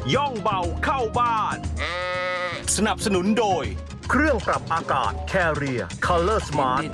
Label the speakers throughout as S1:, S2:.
S1: ย่องเบาเข้าบ้าน สนับสนุนโดย เครื่องปรับอากาศ Carrier Color Smart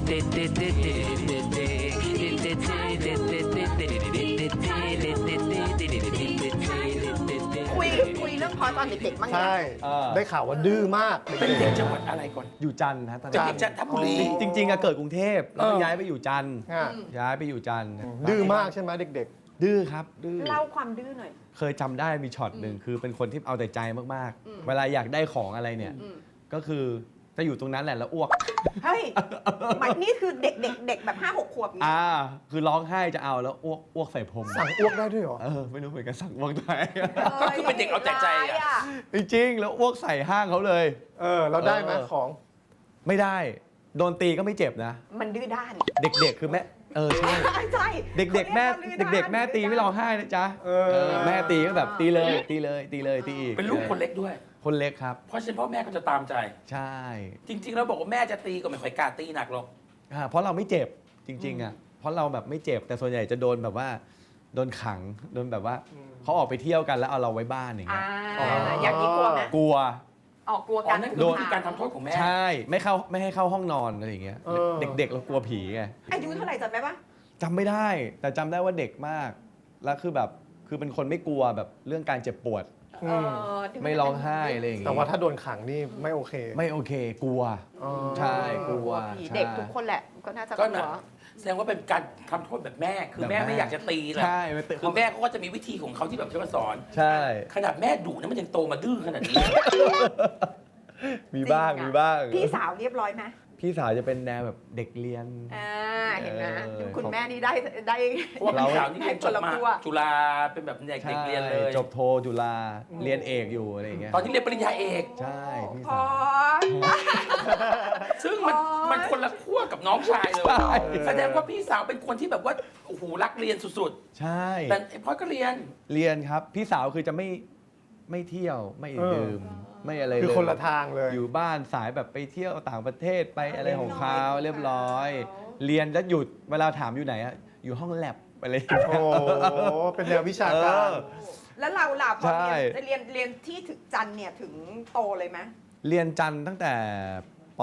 S2: คุยเรื่องพอตอนเด็กๆบ้าง
S3: ใช่ ได้ข่าวว่าดื้อมาก
S4: เป็นเด็กจังหวัดอะไรก่อน
S5: อยู่จันทร์ฮะตอน
S4: เป็น
S5: นั้น
S4: เด็กจันทบุรี
S5: จริงๆอะเกิดกรุงเทพแล้วก็ย้ายไปอยู่จันทร์
S3: อ่ะ
S5: ย้ายไปอยู่จันทร์
S3: ดื้อมากใช่ไหมเด็ก
S5: ดื้อครับดื้อ
S2: เล่าความดื้อหน่อย
S5: เคยจำได้มีช็อตหนึ่งคือเป็นคนที่เอาแต่ใจมากๆ เวลาอยากได้ของอะไรเนี่ย ก็คือจะอยู่ตรงนั้นแหละแล้วอ้วก
S2: เฮ้ยหมายนี่คือเด็กแบบ5-6 ขวบนี้
S5: คือร้องไห้จะเอาแล้วอ้วกใส่พรม
S3: ๆ สั่งอ้วกได้ด้วยเหรอ
S5: ไม่รู้เหมือนกันสั่งอ้วกได้
S4: ก็คือเป็นเด็กเอาแต่ใจอะ
S5: จริงๆแล้วอ้วกใส่ห้างเขาเลย
S3: เราได้ไหมของ
S5: ไม่ได้โดนตีก็ไม่เจ็บนะ
S2: มันดื้อด้าน
S5: เด็กๆคือแม่ใช่
S2: ใช่
S5: เด็กๆแม่ตีไม่ร้องไห้นะจ๊ะแม่ตีก็แบบตีเลยตีอีก
S4: เป็นลูกคนเล็กด้วย
S5: คนเล็กครับ
S4: เพราะฉะนั้นพ่อแม่ก็จะตามใจ
S5: ใช่
S4: จริง ๆ แล้วบอกว่าแม่จะตีก็ไม่ค่อยกล้าตีหนักหรอก
S5: เพราะเราไม่เจ็บจริงๆอ่ะเพราะเราแบบไม่เจ็บแต่ส่วนใหญ่จะโดนแบบว่าโดนขังโดนแบบว่าเขาออกไปเที่ยวกันแล้วเอาเราไว้บ้านอย่างเงี้ย
S2: อย่างนี้กลัวไหม
S5: กลัว
S2: ออกกลัว
S4: อ๋
S2: กั
S4: อน นั่นคือวิธีการทำโทษของแม่
S5: ใช่ไม่ให้เข้าห้องนอนอะไรอย่างเงี้ยเด็กๆเรากลัวผีไง
S2: อายุเท่าไหร่จำได้ปะ
S5: จำไม่ได้แต่จำได้ว่าเด็กมากแล้วคือแบบคือเป็นคนไม่กลัวแบบเรื่องการเจ็บปวดไม่ร้องไห้อะไรอย่าง
S3: แต่
S5: เงี้
S3: ว่าย ถ้าโดนขังนี่ไม่โอเค
S5: ไม่โอเคกลัวใช่กลัว
S2: ผี
S5: ใช่
S2: เด็กทุกคนแหละก็น่าจะก
S4: ก็
S2: ลั
S4: นะ
S2: ว
S4: แสดงว่าเป็นการทำโทษแบบแม่ คือแม่ไม่อยากจะตีแหละ
S5: ใช่ไม่ตี
S4: คือแม่เขาก็จะมีวิธีของเขาที่แบบจะสอน
S5: ใช่
S4: ขนาดแม่ดุนะมันยังโตมาดื้อขนาดนี้
S5: มีบ้าง
S2: จริงอะ
S5: มีบ้าง
S2: พี่สาวเรียบร้อยไหม
S5: พี่สาวจะเป็นแนวแบบเด็กเรียน
S2: เห็นไหม คุณ
S5: ของ
S2: แม่นี่ได้
S4: เพราะว่าพี่สาวนี่เรียนจบมา
S2: ให้คนละครัว
S4: จุฬาเป็นแบบเด็กเรียนเลย
S5: จบโทจุฬาเรียนเอกอยู่อะไรอย่างเงี้ย
S4: ตอนที่เรียนปริญญาเอก
S5: ใช่พี่
S2: พ
S5: สา
S2: อ
S5: ว
S4: ซึ่งมันคนละขั้วกับน้องชายเลย
S5: ใช่
S4: แสดงว่าพี่สาวเป็นคนที่แบบว่าโอ้โหรักเรียนสุด
S5: ใช่
S4: ๆ แต่ไอ้พลอยก็เรียน
S5: เรียนครับ พี่สาวคือจะไม่เที่ยวไม่ดื่มไม่อะไรเลย
S3: คือคนละทางเลย
S5: อยู่บ้านสายแบบไปเที่ยวต่างประเทศไปอะไรของเขาเรียบร้อย เรียนแล้วหยุดเวลาถามอยู่ไหนอะอยู่ห้องแลบอะไรอย่างเงี้ย
S3: โอ้เป็นแนววิชาการ
S2: แล้วเราล่ะพอ
S5: ใช่
S2: เรียนที่ถึงจันทร์เนี่ยถึงโตเลยไหม
S5: เรียนจันทร์ตั้งแต่ป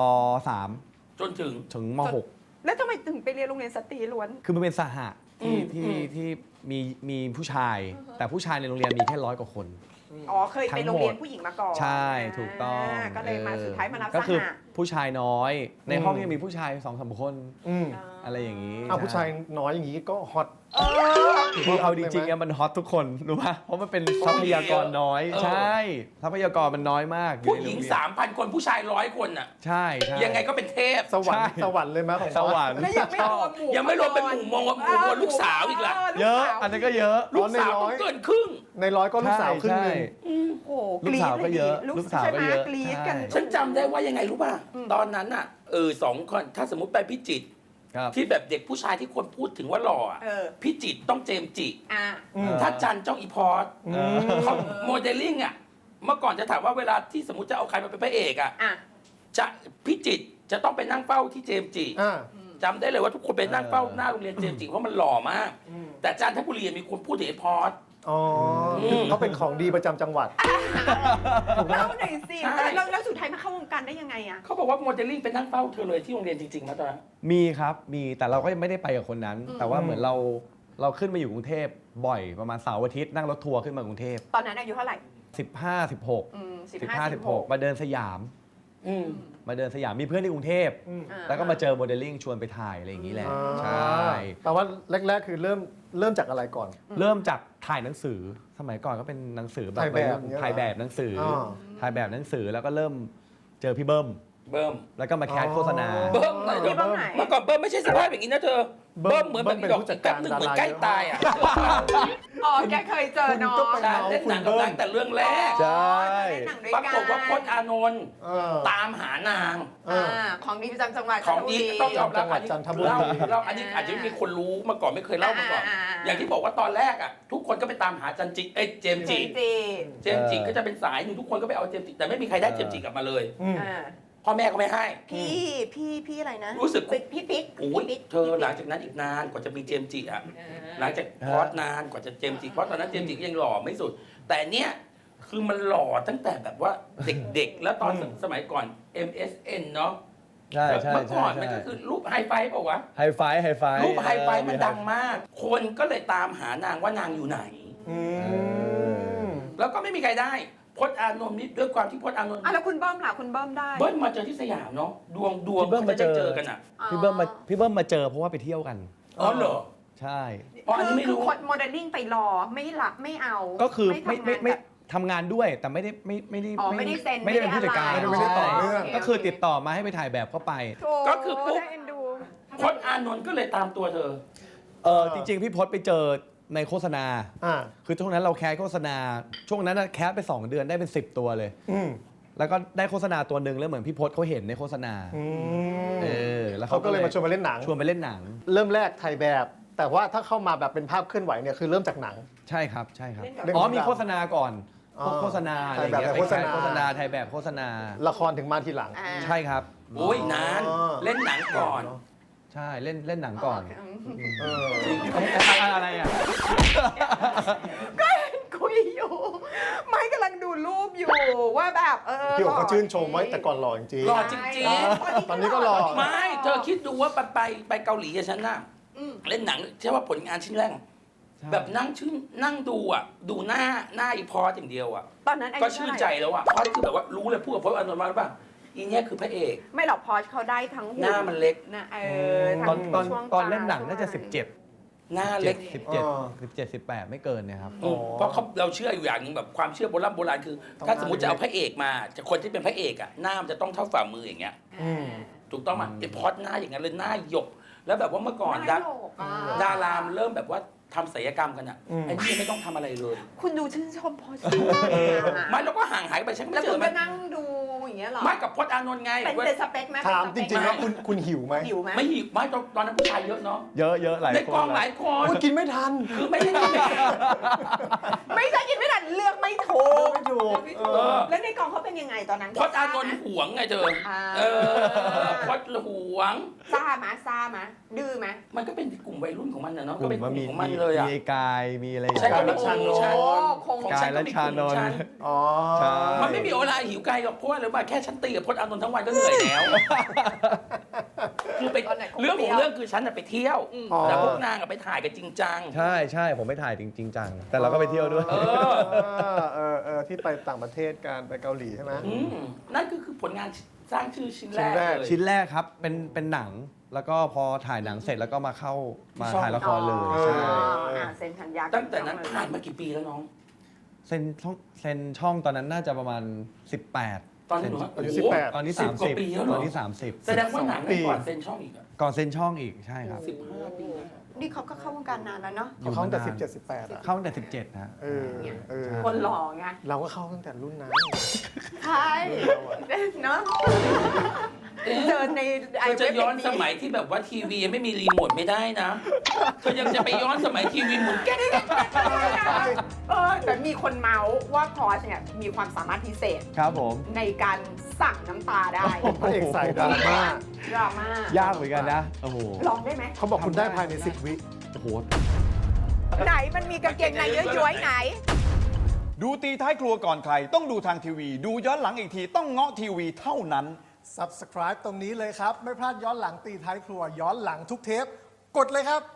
S5: .3
S4: จนถึง
S5: ถึงม
S2: แล้วทำไมถึงไปเรียนโรงเรียนสตรีล้วน
S5: .6 คือมันเป็นสหะที่มีผู้ชาย แต่ผู้ชายในโรงเรียนมีแค่100 กว่าคน
S2: อ๋อเคยไปโรงเรียนผู้หญิงมาก่อน
S5: ใช่ถูกต้อง
S2: ก็เลยมาสุดท้ายมารับ
S5: ก็
S2: ส
S5: คือ
S2: หะ
S5: ผู้ชายน้อย ในห้องยังมีผู้ชาย2-3 คน
S3: อืม
S5: อะไรอย่างนี้
S3: ผู้ชายน้อยอย่างนี้ก็ฮอต
S5: คือเอาจริงๆอะมันฮอตทุกคนรู้ป่ะเพราะมันเป็นทรัพยากรน้อย ใช่ ทรัพยากรมันน้อยมาก
S4: ผู้หญิง
S5: อยู่ในโรเรียน
S4: 3,000 คนผู้ชาย100 คนน่ะ
S5: ใช่ใช่
S4: ยังไงก็เป็นเทพ
S3: สวรรค์
S5: ใช่
S3: สวรรค์เลยไหมของ
S5: สวรรค์
S2: แล้วยังไม่รวมหมู่
S4: ยังไม่รวมเป็นหมู่มวลลูกสาวอีกล่ะ
S5: เยอะ อันนั้นก็เยอะ
S4: ลูกสาวต้องเกินครึ่ง
S3: ในร้อยก็ลูกสาวครึ่งหนึ่ง
S2: โอ้โห
S5: ลูกสาวก็เยอะ
S2: ลู
S5: ลูกสาวก็เยอะ
S2: กรี๊ดกัน
S5: ใช่
S4: ฉันจำได้ว่ายังไงรู้ป่ะ ตอนนั้นน่ะ2 คนถ้าสมมติไปพิจิตร
S5: ครับ
S4: ที่แบบเด็กผู้ชายที่คนพูดถึงว่าหล่ออะ
S2: เออ
S4: พิจิตรต้องเจมส์จิ
S2: อ่ะ
S4: ถ้าจันเจ้าอีพอร์ตเขาโมเดลลิ่งอ่ะเมื่อก่อนจะถามว่าเวลาที่สมมติจะเอาใครมาเป็นพระเอกอ่ะ
S2: อ่ะ
S4: จะพิจิตรจะต้องไปนั่งเฝ้าที่เจมส์จิ
S3: อ่า
S4: จำได้เลยว่าทุกคนไปนั่งเฝ้าหน้าโรงเรียนเจมส์จิเพราะมันหล่อมาก แต่จันทบุรีมีคนพูดถึงไอ้พอร์ต
S3: อ๋อเขาเป็นของดีประจำจังหวัด ถูกไหม
S2: เล่าหน่อยสิ
S4: ใช่
S2: แล้วสุดท้ายมาเข้าวงการได้ยังไงอ่ะ
S4: เขาบอกว่าโมเดลลิ่งไปนั่งเฝ้าเธอเลยที่โรงเรียนจริงๆนะตอนนั้น
S5: มีครับมีแต่เราก็ยังไม่ได้ไปกับคนนั้น แต่ว่าเหมือนเราขึ้นมาอยู่กรุงเทพบ่อยประมาณเสาร์อาทิตย์นั่งรถทัวร์ขึ้นมากรุงเทพ
S2: ตอนนั้นอายุเท่าไหร่
S5: 15 16 15 16มาเดินสยาม
S4: อืม
S5: มาเดินสยามมีเพื่อนที่กรุงเทพ แล้วก็มาเจอโมเดลลิ่งชวนไปถ่ายอะไรอย่างนี้แหละ ใช่
S3: แต่ว่าแรกๆคือเริ่มจากอะไรก่อน
S5: เริ่มจากถ่ายหนังสือสมัยก่อนก็เป็นหนังสือแบบ
S3: ถ่ายแบบเงี้ยเหรอ
S5: ถ่ายแบบหนังสืออ
S3: อ
S5: ถ่ายแบบหนังสือแล้วก็เริ่มเจอพี่เบิ้ม
S4: เบิ้ม
S5: แล้วก็มาแคสโฆษณา
S4: เบิ้มหน่อยเถ
S2: พี่
S4: อะ
S2: เบิ้มไหน
S4: เมื่อก่อนเบิ้มไม่ใช่สภาพอย่างนี้นะเธอ เบิ้มเหมือนแบบมีดอกจิกแป๊บหนึ่งเหมือนใกล้ตายอ่ะ
S2: อ๋อแกเคยเจอน้อง
S3: คุณก็ไป
S4: ใช่เล่นหนังกับนางแต่เรื่องแรก
S5: ใช่
S2: เล่นหนังด้วย
S4: ป
S2: กั
S4: ราน กฏว่าพจน์อานนท์
S3: เออ
S4: ตามหานาง
S2: ของดีประจำจังหวัด
S4: ของดีต้องยอมรับ
S3: จังหวัดจันทบุรี
S4: เล่าอันนี้อาจจะไม่มีคนรู้มาก่อนไม่เคยเล่ามาก่อน อย่างที่บอกว่าตอนแรกอ่ะทุกคนก็ไปตามหาจันจิเจมส์
S2: จ
S4: จิ
S2: ริง
S4: เจมส์จิก็จะเป็นสายหนึ่งทุกคนก็ไปเอาเจมส์จิแต่ไม่มีใครได้เจมส์จิกลับมาเลย
S3: อืม
S4: พ่อแม่ก็ไม่ให้
S2: พี่อะไรนะ
S4: รู้สึก
S2: พี่ปิ๊ก
S4: โอ้ยเธอหลังจากนั้นอีกนานกว่าจะมีเจมส์จิอ่ะหลังจากพอดนานกว่าจะเจมส์จิเพราะตอนนั้นเจมส์จิก็ยังหล่อไม่สุด แต่เนี้ยคือมันหล่อตั้งแต่แบบว่าเด็กๆ แล้วตอนสมัยก่อน MSN เนาะ
S5: ใช่ใช่
S4: เมื่อ
S5: ใช่
S4: ก่อนมัน
S5: ใช่
S4: ก็คือรูปไฮไฟว์เปล่าวะ
S5: ไฮไฟว์
S4: รูปไฮไฟว์มันดังมาก คนก็เลยตามหานางว่านางอยู่ไหน แล้วก็ไม่มีใครได้พจน์อานนท์นี่ด้วยความที่พจน์อานนท์
S2: อ่ะแล้วคุณเบิ้มล่ะคุณเบิ้มได้
S4: เบิ้ลมาเจอที่สยามเนาะดวง
S5: พี่เบิ้มมาเจอ
S4: จะได้เจอกันอ่ะ
S5: พี่เบิ้มมาเจอเพราะว่าไปเที่ยวกัน
S4: อ๋อเหรอ
S5: ใช่
S4: อ๋ออันนี้ไม่รู้
S2: คือคนโมเดลลิ่งไปรอไม่รับไม่เอา
S5: ก็คือไม่
S2: ทำงาน
S5: ไม่
S2: แบบ
S5: ทำงานด้วยแต่ไม่ได้
S2: อ๋อไม่ได้เซ็น
S5: ไม่ได้เป็นผู้จัดการ
S2: ไม่ได้อะไร
S5: ใช่
S2: โอเค
S5: ก็คือติดต่อมาให้ไปถ่ายแบบก็ไป
S2: โถ่
S4: ก็คือปุ๊บ
S2: ได้เอ็นดู
S4: พจน์อานนท์ก็เลยตามตัวเธอ
S5: จริงๆ พี่พศไปเจอในโฆษณา คือช่วงนั้นเราแคสโฆษณา ช่วงนั้นแคสไป 2 เดือนได้เป็น 10 ตัวเลย แล้วก็ได้โฆษณาตัวหนึ่งแล้วเหมือนพี่พศเขาเห็นในโฆษณาแล้ว
S3: เขาก็เลยมาชวนมาเล่นหนัง
S5: ชวนไปเล่นหนัง
S3: เริ่มแรกถ่ายแบบ แต่ว่าถ้าเข้ามาแบบเป็นภาพเคลื่อนไหวเนี่ยคือเริ่มจากหนัง
S5: ใช่ครับใช่ครับ
S3: เล่นกับ
S5: มีโฆษณาก่อนพวกโฆษณาอะไรอย่างเงี้ย
S3: ถ่ายแบบโฆษณา
S5: โฆษณาถ่ายแบบโฆษณา
S3: ละครถึงมาทีหลัง
S2: อ่า
S5: ใช่ครับ
S4: โอ้ยนาน เล่นหนังก่อน
S5: ใช่เล่นหนังก่อน
S3: เออ
S5: อะไรอ่ะ
S2: ก็เห็นคุยอยู่ ไม่กำลังดูรูปอยู่ว่าแบบ
S3: พี่โอ๋เขาชื่นชมไว้แต่ก่อนหล่อจริง
S4: หล่อจริง
S3: ตอนนี้ก็หล่อ
S4: ๆ ไม่ เธอคิดดูว่าไปเกาหลีกับฉันน่ะเล่นหนังใช่ว่าผลงานชิ้นแรกอะ
S5: ใช่
S4: แบบนั่งดูอ่ะ ดูหน้าอีพอสอย่างเดียวอ่ะ
S2: ตอนนั้นอายุ
S4: ก็ชื่นใจแล้วอ่ะพอสคือแบบว่ารู้เลยพูดกับพจน์อานนท์มาหรือเปล่าอีเนี่ยคือพระเอก
S2: ไม่หรอกพอชเขาได้ทั้ง
S4: หน้ามันเล็ก
S2: นะ
S5: ตอน
S2: ทั้งช่วง
S5: ตอนเล่นหนัง
S2: ต
S5: น่าจะ
S2: ช่วง
S4: หน้าเล็ก
S5: 17 18 ไม่เกินเนี่ยครับ
S4: เพราะเราเชื่ออยู่อย่างหนึงแบบความเชื่อโบราณคือ ถ้าสมมติจะเอาพระเอกมาจะคนที่เป็นพระเอกอ่ะหน้ามันจะต้องเท่าฝ่ามืออย่างเงี้ย ถูกต้องมั้ยไอ้พอดหน้าอย่างนั้นเลยหน้าหยก แล้วแบบว่าเมื่อก่อน
S2: หน้าโยกอะ
S4: ดารามเริ่มแบบว่าทำศัลยกรรมกันอ่ะไอ้นี่ยังไม่ต้องทำอะไรเลย
S2: คุณดูชื่นชมพอช
S4: ไม่เราก็ห่างหายไปฉันก็
S2: แล้
S4: ไม่
S2: ว
S4: เจ
S2: คุ
S4: อ
S2: ณ
S4: มั
S2: ก็
S4: น
S2: นั่งดูอย่างเงี้ยเหรอ
S4: ไม่กับพจน์อานนท์ไง
S2: เป็นสเปคไหม
S3: ถามจริงๆแล้วคุณหิวไหม
S2: หิวไหม
S4: ไม่หิวไม่ตอนนั้นผู้ชายเยอะเนาะ
S5: เยอะหลาย
S4: ใน
S5: คน
S4: กองหลายคน
S3: กินไม่ทัน
S4: คือไม่ได้กินเอง
S2: ไม่ใช่กินไม่ทันเลือกไม่ถูก
S3: ไม่ถูก
S2: แล้วในกองเขาเป็นยังไงตอนนั้น
S4: พจน์อานนท์หวงไงเธอพจน์หวง
S2: ซ่ามาดื้อไหม
S4: มันก็เป็นกลุ่มวัยรุ่นของมันนะเนาะ
S5: ก
S4: ก็
S5: ลุ่
S4: เป็น
S5: ม
S4: ก
S5: ว่า
S4: ลุ่ม
S5: มี
S4: ของมันเลยอ่ะ
S5: มีกายมีอะไรอย่าง
S4: ใช่
S5: เงี้ย
S4: ก็เป็นกลุ่มฉัน
S2: คง
S5: กายและชานนท์
S3: อ๋อ
S5: ใช่
S4: มันไม่มีเวลาหิวไกลหรอกเพราะว่าหรือว่าแค่ฉันตีกับพจน์อานนท์ทั้งวันก็เหนื่อยแล้ว คือไปเรื่องของเรื่องคือฉันน่ะไปเที่ยว แต่พวกนางอะไปถ่ายกันจริงจัง
S5: ใช่ผมไปถ่ายจริงจังแต่เราก็ไปเที่ยวด้วย
S3: ที่ไปต่างประเทศการไปเกาหลีใช่ไหม
S4: นั่นคือผลงานสร้างชื่อชิ้นแรก
S3: ชิ้นแรก
S4: เลย
S5: ชิ้นแรกครับเป็นหนังแล้วก็พอถ่ายหนังเสร็จแล้วก็มาถ่ายละครเลยใช่
S2: เซ็นสัญญา
S4: ตั้งแต่นั้นผ่านมากี่ปีแล้วน้อง
S5: เซ็นช่องตอนนั้นน่าจะประมาณ 18
S4: ตอนนี้หนู
S3: อายุ
S4: โโห
S3: 18
S5: ตอนนี้
S4: 10 กว่าปีแล้ว
S5: 30
S4: เหร
S5: ต
S4: อ
S5: อนนี้
S4: แสดงว่าหนัง
S3: ปี
S4: ก่อนเซ็นช่องอีกอะ
S5: 30 ก่อนเซ็นช่องอีกใช่ครับ
S4: 15 ปีนะ
S2: นี่เขาก็เข้าวงการนานแล้วเนาะ
S3: เขาตั้งแต่17 18อ่ะ
S5: เข้าตั้งแต่17นะ
S3: เออ
S2: คนหล่อไง
S3: เราก็เข้าตั้งแต่รุ่นนั้น
S2: ใช่เนาะเจอใน
S4: เธอจะย้อนสมัยที่แบบว่าทีวียังไม่มีรีโมทไม่ได้นะเธอยังจะไปย้อนสมัยทีวีหมุนแก๊ก
S2: แต่มีคนเมาส์ว่าพอชเนี่ยมีความสามารถพิเศษ
S5: ครับผม
S2: ในการสั่งน้ำตาได้
S3: พระเอกสายดราม่า
S2: ดราม่าย
S5: ากเหมือนกันนะโอ้โห
S2: ลองได้ไหม
S3: เขาบอกคุณได้ภายใน 10 วิ
S5: โอ้โห
S2: ไหนมันมีกางเกงในย้อยๆไหน
S6: ดูตีท้ายครัวก่อนใคร ต้องดูทางทีวี ดูย้อนหลังอีกทีต้องเงาะทีวีเท่านั้น
S3: Subscribe ตรงนี้เลยครับ ไม่พลาดย้อนหลังตีท้ายครัว ย้อนหลังทุกเทป กดเลยครับ